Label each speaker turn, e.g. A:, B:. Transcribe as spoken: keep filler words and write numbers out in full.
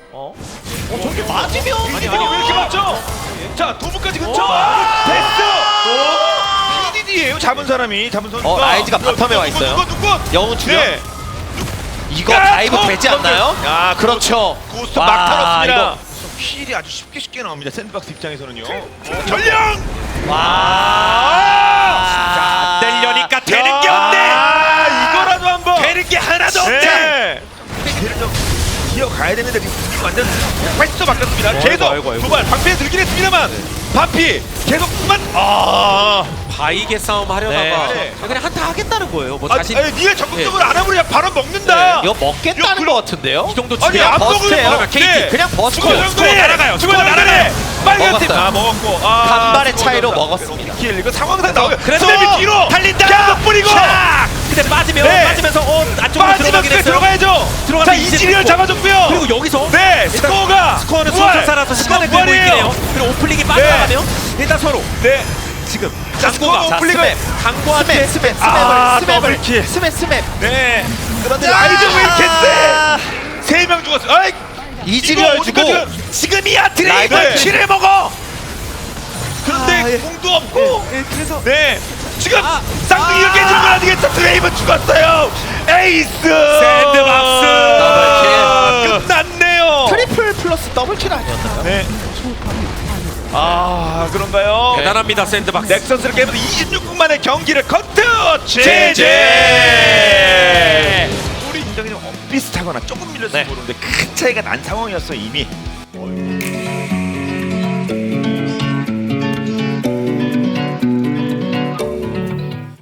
A: 어? 어 저렇게 맞으면
B: 아니 아니 왜 이렇게 맞죠? 자 도무까지 근처.
A: 오!
B: 됐어. 피디디예요 잡은 사람이 잡은 선수가.
C: 어, 라이즈가 바텀에 와 있어요.
B: 누구 누구? 누구?
C: 영웅 출연?
B: 네.
C: 이거
B: 야,
C: 다이브
B: 터!
C: 되지 않나요?
B: 야
C: 그렇죠.
B: 고스트
C: 와,
B: 막 털었습니다.
C: 이거.
B: 힐이 아주 쉽게 쉽게 나옵니다. 샌드박스 입장에서는요. 어, 전령.
C: 와.
A: 자, 내려니까 되는 게
B: 야,
A: 없네.
B: 아, 이거라도 한번.
A: 되는 게 하나도 없네.
B: 네. 걔를 좀 기어가야 되는데 지금 완전 패스 바뀌었습니다.
A: 아이고,
B: 계속
A: 아이고, 아이고.
B: 두발 방패에 들긴 했습니다만 반피 계속 그만. 아.
A: 바이게 싸움 하려다가
B: 네.
A: 그냥 한타 하겠다는 거예요. 뭐
B: 아,
A: 자신
B: 아니, 니가 적극적으로 안 하면 그냥 바로 먹는다.
C: 이거 먹겠다는
B: 이거
C: 것 같은데요?
A: 이 정도
B: 아니
A: 치면
B: 안
C: 버스트예요.
B: 먹으면
A: 케이티.
B: 네.
C: 그냥 버스트.
B: 스코어 정도에
A: 날아가요.
B: 스코어
A: 스코어
B: 정도에
A: 날아가요.
B: 빨간 팀.
C: 먹었어요.
B: 아 먹었고. 아,
C: 간발의
B: 스코어
C: 차이로
B: 정도.
C: 먹었습니다.
B: 킬 이거 상황상 나오게.
A: 그래서
B: 스텝이 뒤로
A: 달린다.
B: 계속 뿌리고.
A: 샥! 근데 빠지면
B: 네.
A: 빠지면서 어 안쪽으로
B: 빠지면
A: 들어가긴
B: 그래
A: 했어요.
B: 들어가야죠.
A: 들어가면
B: 자
A: 이제
B: 이지리얼
A: 스코어.
B: 잡아줬고요.
A: 그리고 여기서
B: 네
A: 일단
B: 스코어가
A: 스코어는
B: 부활.
A: 순서 살아서 시간을
B: 스코어
A: 끌고 있긴
B: 부활이에요.
A: 해요. 그리고 오플릭이 빠져나가면 일단 서로
B: 네.
A: 지금
B: 자
A: 강구가
B: 스코어 오플릭을.
A: 강구한테
C: 스맵, 스맵,
B: 아,
C: 스맵을, 스맵을,
B: 더블킬.
C: 스맵, 스맵.
B: 네. 그런데 라이즈 왜 이렇게 세? 세 명 죽었어. 아이.
C: 이지리얼
B: 이거
C: 주고
B: 어디까지
A: 지금이야 드레이브
B: 네.
A: 키를 먹어.
B: 그런데
A: 아, 예.
B: 공도 없고.
A: 예, 그래서
B: 네. 지금
A: 아,
B: 쌍둥이 이렇게 해주는 건 아니겠죠? 드레이븐 죽었어요. 에이스.
A: 샌드박스.
B: 더블킬. 끝났네요.
C: 트리플 플러스 더블킬 아니었나요?
B: 네. 아 그런가요?
A: 대단합니다 샌드박스.
B: 넥서스를 깨면서 이십육 분 만에 경기를 커트.
A: 제제.
B: 제제. 우리 인정이 좀 엇비슷하거나 조금 밀렸으면
A: 네.
B: 모르는데 큰 차이가 난 상황이었어 이미.